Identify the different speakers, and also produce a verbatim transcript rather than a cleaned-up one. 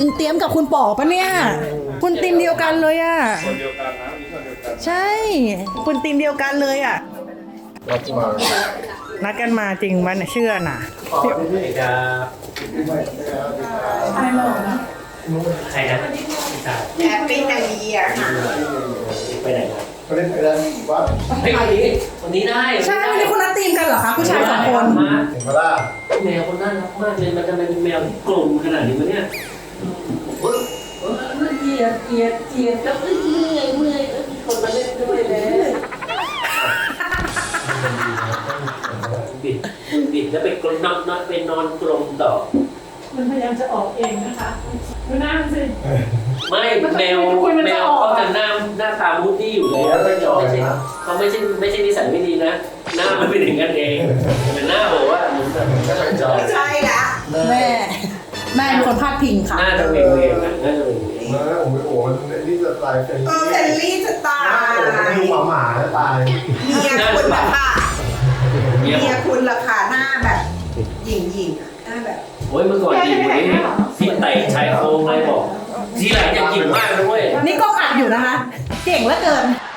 Speaker 1: เตรียมกับคุณป๋อปะเนี่ยคุณทีมเดียวกันเลยอ่ะ
Speaker 2: คนเดียวกันนะมีคนเดียวกัน
Speaker 1: ใช่คุณทีมเดียวกันเลยอ่ะ
Speaker 2: รับมา
Speaker 1: นัดกันมาจริงมันยเชื่อน่ะ
Speaker 3: ขอที่ไหนครับใครนะใช่
Speaker 4: แฮปปี้นิวเยียร์ค่ะ
Speaker 3: ไปไหนครับ
Speaker 2: ไปเล่นไปเล่นวัด
Speaker 3: เฮ้ยวันนี้วันนี้ได้
Speaker 1: ใช่วันนี้คุณนัดทีมกันเหรอคะผู้ชายสองคน
Speaker 3: มา
Speaker 2: เห็นปะล่ะ
Speaker 3: แมวคนน่ารักมากเลยมันจะเป็นแมวที่กลมขนาดนี้มั้ยเนี่ยเออเออมันเจียดเจียดเจียดแล้วเมื่อยเมื่อยมีคนมาเล่นด้วยเลยบิดบิดแล้วไปกลนนอนนอนไปนอนกลมต่อ
Speaker 5: มันพยายามจะออกเองนะคะดูหน้ามันสิ
Speaker 3: ไม่แมวแมวเขาจะหน้าหน้าตามูดดี้อยู่แล้วไม่ใช่เขาไม่ใช่ไม่ใช่นิสัยไม่ดีนะหน้ามันเป็นอย่างนั้นเองแต่หน้าบอกว่าเหมือนแบบจอย
Speaker 4: ใช่ละ
Speaker 1: แม่แม่เป็นคนพาดพิงค่ะ
Speaker 3: หน้าจะเวงเวงนะหน้าจะเวงเวง
Speaker 2: มาโอ้โหมันนี่จะตายเป็น
Speaker 4: เออเฟลลี่จะตา
Speaker 2: โอ้โห
Speaker 4: ย
Speaker 2: ดูหมาหมาแล้วตาย
Speaker 4: เมียคุณละค่ะ
Speaker 3: เมีย
Speaker 4: เมียคุณละค่ะหน้าแบบหญิงหญิงหน้าแบบ
Speaker 3: โอ้ยเมื่อก่อนดีกว่านี้ที่ไต่ชายโครงเลยบอกทีหลังอย่ากินมากนะเว้ย
Speaker 1: นี่กล้องอัดอยู่นะคะ เก่งเหลือเกิน